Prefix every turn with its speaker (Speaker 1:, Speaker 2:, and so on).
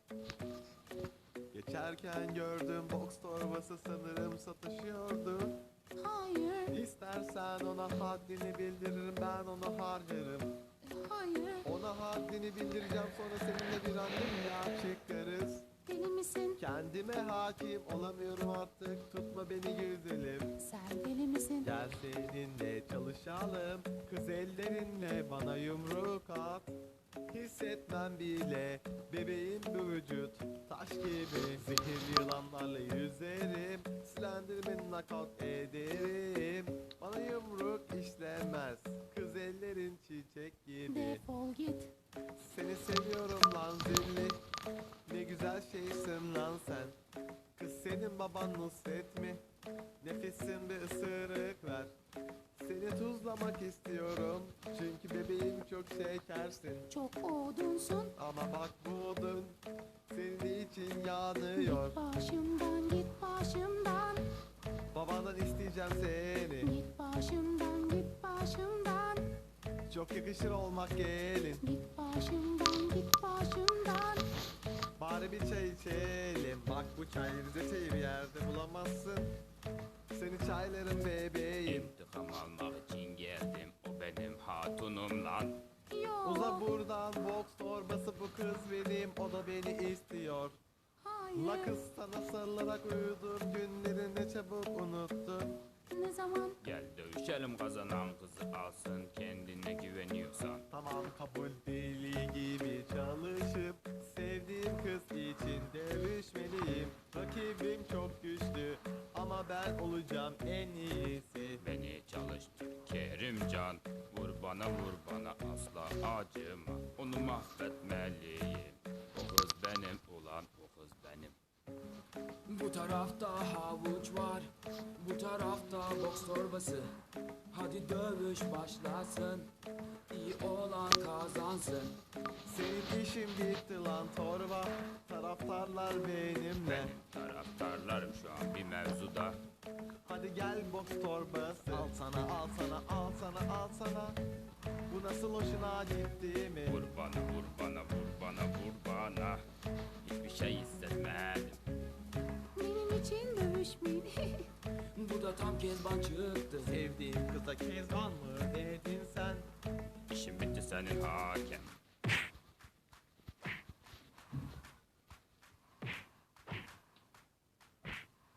Speaker 1: Geçerken gördüm box torbası, sanırım satışıyordu.
Speaker 2: Hayır,
Speaker 1: İstersen ona haddini bildiririm, ben onu harcarım.
Speaker 2: hayır.
Speaker 1: Ona haddini bildireceğim, sonra seninle bir randevuya çıkarız.
Speaker 2: Deli misin?
Speaker 1: Kendime hakim olamıyorum artık, tutma beni güzelim.
Speaker 2: Sen deli misin?
Speaker 1: Gel seninle çalışalım, kız ellerinle bana yumruk at. Hissetmem bile bebeğim bu vücut, taş gibi. Zehirli yılanlarla yüzerim, Slenderman'i knockout ederim. Bana yumruk işlemez, kız ellerin çiçek gibi.
Speaker 2: Defol git.
Speaker 1: Seni seviyorum lan zilli, ne güzel şeysin lan sen. Kız senin baban Nusret mi? Nefesin bir ısırık ver. Seni tuzlamak istiyorum, çünkü bebeğim çok şekersin.
Speaker 2: Çok odunsun.
Speaker 1: Ama bak bu odun senin için yanıyor.
Speaker 2: Git başımdan, git başımdan.
Speaker 1: Babandan isteyeceğim seni,
Speaker 2: Git başımdan, git başımdan.
Speaker 1: çok yakışır olmak gelin.
Speaker 2: Git başımdan, git başımdan.
Speaker 1: Bari bir çay içelim, bak bu çay Rize çayı bir yerde bulamazsın. Seni çaylarım bebeğim.
Speaker 3: İntikam almak için geldim. O benim hatunum lan.
Speaker 2: Yok.
Speaker 1: Uza buradan, box torbası bu kız benim, o da beni istiyor.
Speaker 2: Hayır.
Speaker 1: La kız sana sarılarak uyudum, günleri ne çabuk unuttun.
Speaker 2: Ne zaman?
Speaker 3: Gel dövüşelim, kazanan kızı alsın. Kendine güveniyorsan.
Speaker 1: Tamam kabul, deli gibi çalışıp sevdiğim kız için dövüşmeliyim. Rakibim çok güçlü ama ben olacağım en iyisi.
Speaker 3: Beni çalıştır Kerimcan. Vur bana asla acıma. Onu mahvetmeliyim. O kız benim ulan, o kız benim.
Speaker 4: Bu tarafta havuç var, bu tarafta boks torbası. Hadi dövüş başlasın, iyi olan kazansın.
Speaker 1: Senin işin bitti lan torba, taraftarlar benimle.
Speaker 3: Benim taraftarlarım şu an bir mevzuda.
Speaker 1: Hadi gel box torbası, al sana al sana al sana al sana. Bu nasıl hoşuna gitti mi?
Speaker 3: Vur bana. Hiçbir şey hissetmedim.
Speaker 2: Benim için dövüşmeyin.
Speaker 4: Bu da tam Kezban çıktı.
Speaker 1: Sevdiğim kıza kezban mı dedin sen?
Speaker 3: İşim bitti senin hakem.